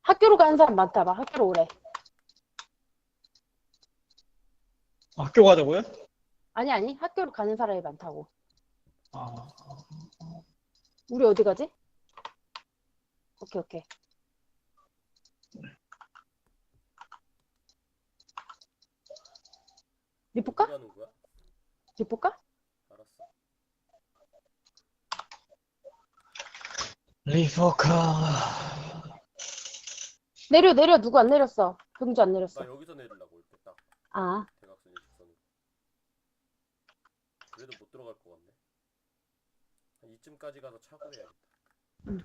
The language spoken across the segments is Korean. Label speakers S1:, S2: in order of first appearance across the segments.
S1: 학교로 가는 사람 많다. 막 학교로 오래.
S2: 학교 가자고요?
S1: 아니. 학교로 가는 사람이 많다고.
S2: 아,
S1: 우리 어디 가지? 오케이. 리포까?
S3: 어디 가는 거야?
S1: 리포까?
S3: 알았어.
S2: 리포카.
S1: 내려. 누구 안 내렸어? 병주 안
S3: 나
S1: 내렸어.
S3: 여기서 내리려고 이렇게 딱
S1: 아,
S3: 대각선 일직선으로. 그래도 못 들어갈 것 같네. 한 이쯤까지 가서 차고 해야겠다.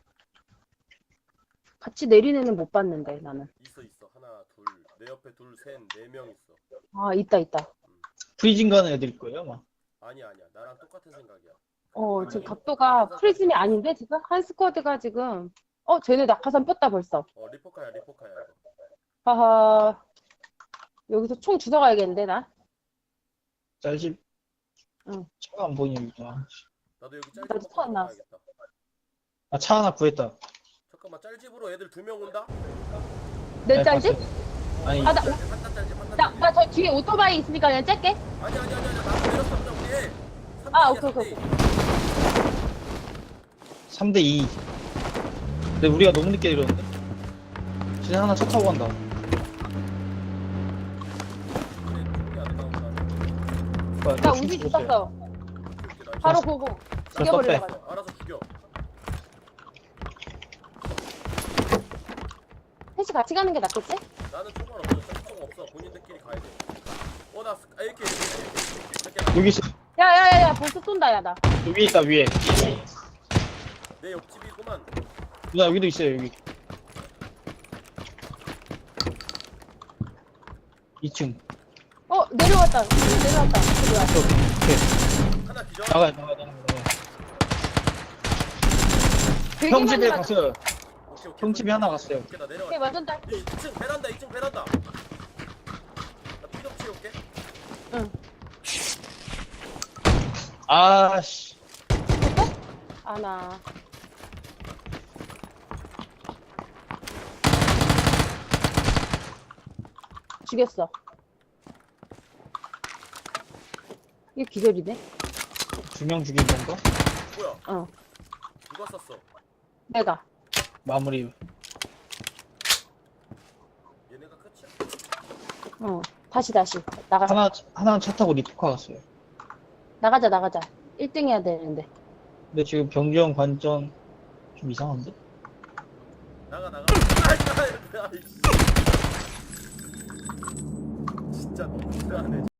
S1: 같이 내린 애는 못 봤는데, 나는.
S3: 있어. 하나, 둘, 내 옆에 둘, 셋, 4명 있어.
S1: 아, 있다.
S2: 프리즌 가는 애들일 거예요, 아마.
S3: 아니야. 나랑 똑같은 생각이야.
S1: 지금 각도가 프리즘이 아닌데, 지금? 한 스쿼드가 지금. 쟤네 낙하산 뺐다, 벌써.
S3: 리포카야 이거.
S1: 하하. 여기서 총 주워가야겠는데, 나?
S2: 짤집.
S1: 응.
S2: 차가 안 보이니까.
S3: 나도 여기
S1: 나도
S3: 짤집
S1: 차안 나왔어.
S3: 들어가야겠다.
S2: 아, 차 하나 구했다.
S3: 잠깐만, 짤집으로 애들 2명 온다?
S1: 내
S2: 아니,
S1: 짤지?
S2: 봤어요. 아니,
S1: 아,
S3: 한단 짤집.
S1: 나 저 뒤에 오토바이 있으니까 그냥 짤게.
S3: 아니. 나도 내렸어. 그냥 우리 해.
S1: 아,
S3: 3대2야,
S1: 오케이.
S2: 3대2. 근데 우리가 너무 늦게 이러는데? 쟤네 하나 차 타고 간다. 뭐야,
S1: 나
S2: 저
S1: 우지
S2: 죽었어요.
S1: 죽었어. 바로 보고. 죽여버리려고.
S2: 떴대.
S3: 알아서 죽여.
S1: 셋이 같이 가는 게 낫겠지?
S3: 나는 총알 없어. 총 없어. 본인들끼리 가야 돼. 나 이렇게.
S2: 여기 있어.
S1: 야야야야 벌써 쏜다 야 나.
S2: 여기 있다, 위에.
S3: 내 옆집이구만.
S2: 누나, 여기도 있어요, 여기. 2층.
S1: 내려왔다.
S2: 오케이.
S3: 하나 기절.
S2: 나가요.
S1: 되게
S2: 형
S1: 많이
S2: 집에
S1: 맞-
S2: 갔어요.
S3: 오케이.
S2: 형 집에 하나 갔어요.
S3: 오케이, 나 내려가.
S1: 오케이 완전 딸.
S3: 2층 베란다. 나 피좀 치울게.
S2: 아씨.
S1: 아나. 죽였어. 이게 기절이네.
S2: 2명 죽인 건가?
S3: 뭐야?
S1: 어.
S3: 누가 쐈어?
S1: 내가.
S2: 마무리.
S3: 얘네가 끝이야?
S1: 다시. 나가자.
S2: 하나는 차 타고 리포카 갔어요.
S1: 나가자. 1등 해야 되는데.
S2: 근데 지금 병정 관전 좀 이상한데?
S3: 나가. 아이씨. 진짜 너무 불안해.